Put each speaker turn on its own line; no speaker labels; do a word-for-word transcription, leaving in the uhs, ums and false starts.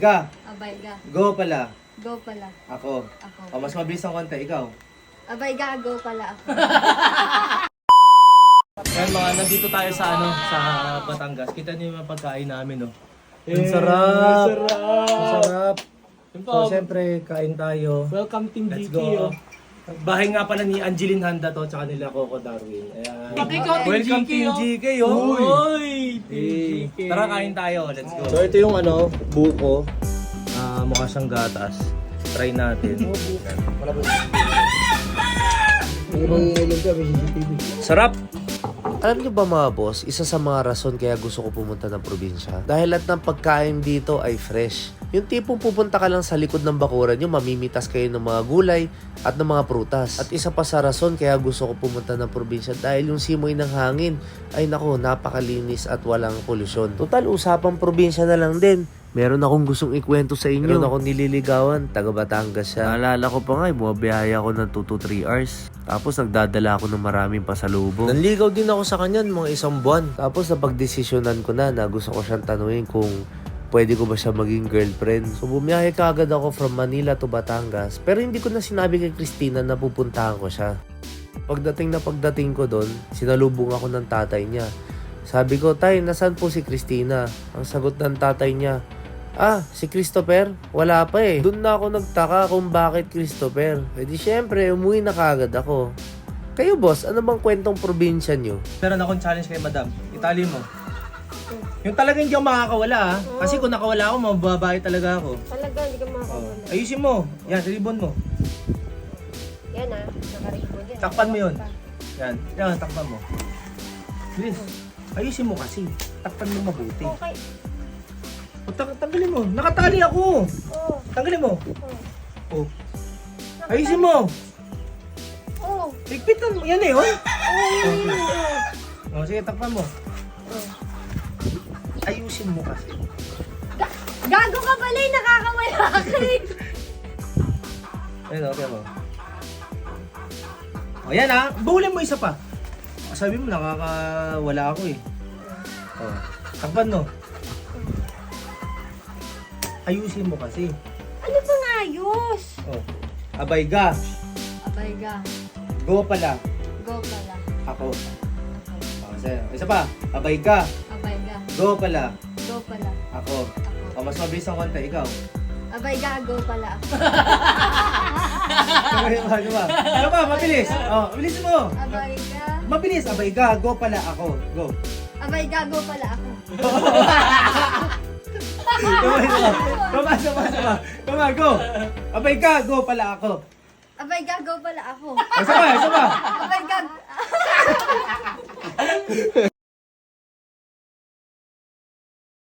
Ga.
Abay ga.
Go pala.
Go pala.
Ako.
Ako.
O, mas mabilis ang konti. Ikaw.
Abay ga, go pala ako.
Yan mga, nandito tayo sa ano, sa Batangas. Kita niyo yung mga pagkain namin, no?
Eh,
Ang sarap!
sarap!
Ang sarap!
Yun
So, siyempre, kain tayo.
Welcome Team
Let's
G K.
go.
Oh.
Bahay nga pala ni Angeline Handa to, tsaka nila Coco Darwin. Ayan.
Pati ikaw, Team
Welcome
G K,
Team
oh.
G K, oh!
Uy!
Eh,
Team G K.
tara, kain tayo. Let's go. So, ito yung ano, buko. Ah, mukha siyang gatas. Try natin. Sarap!
Alam niyo ba mga boss, isa sa mga rason kaya gusto ko pumunta ng probinsya? Dahil lahat ng pagkain dito ay fresh. Yung tipong pupunta ka lang sa likod ng bakuran nyo, mamimitas kayo ng mga gulay at ng mga prutas. At isa pa sa rason kaya gusto ko pumunta ng probinsya dahil yung simoy ng hangin ay nako, napakalinis at walang polusyon. Total, usapang probinsya na lang din. Meron akong gustong ikwento sa inyo. Meron akong nililigawan, taga Batangas siya. Naalala ko pa nga, bumabiyaya ako ng two to three hours. Tapos nagdadala ako ng maraming pasalubong. Nanligaw din ako sa kanya ng mga isang buwan. Tapos napagdesisyonan ko na na gusto ko siyang tanungin kung pwede ko ba siya maging girlfriend. So bumiyahe ka agad ako from Manila to Batangas. Pero hindi ko na sinabi kay Christina na pupuntahan ko siya. Pagdating na pagdating ko doon, sinalubong ako ng tatay niya. Sabi ko, tay, nasaan po si Christina? Ang sagot ng tatay niya, ah, si Christopher? Wala pa eh. Doon na ako nagtaka kung bakit Christopher. E di syempre, umuwi na kagad ako. Kayo boss, ano bang kwentong probinsya nyo?
Meron akong challenge kay madam. Itali mo. Yung talagang hindi ako makakawala, ha? Kasi kung nakawala ako, mababae talaga ako.
Talaga, hindi ka
Oh.
makakawala.
Ayusin mo. Yan, ribbon mo.
Yan ah, nakaribon yan.
Takpan mo yun. Yan. Yan, takpan mo. Bilis. Ayusin mo kasi. Takpan mo mabuti.
Okay.
O, tang tanggalin mo. Nakatali ako.
Oh,
Tanggalin mo.
oh.
O. Ayusin mo.
Oh,
Higpitan mo. Yan eh, oh.
oh, yun, yun, oh.
O, sige, takpan mo.
Oh.
Ayusin mo kasi.
Ga- Gago ka pala eh, nakakawala ka eh.
Ayun, okay mo. O, yan ha. Bulin mo isa pa. Sabi mo, nakakawala ako eh. O, takpan mo. Ayusin mo kasi.
Ano bang ayos?
O, abay ga.
Abay ga,
Go pala.
go pala.
Ako.
Ako.
O, isa, isa pa. Abay ga.
Abay ga,
Go pala.
go pala.
Ako.
Ako.
O, mas mabilis ang konti. Ikaw.
Abay ga, go pala ako.
Ano ba? Ano ba? Ano ba? Mabilis. O, mabilis mo.
Abay ga,
Mabilis. Abay ga. Go pala. Ako. Go.
abay ga, go pala ako.
Come on, come on, come on, come on. Come on, go. Abay ka, go pala ako.
Abay ga, go pala ako.
Isa pa, isa pa.
Abay ga.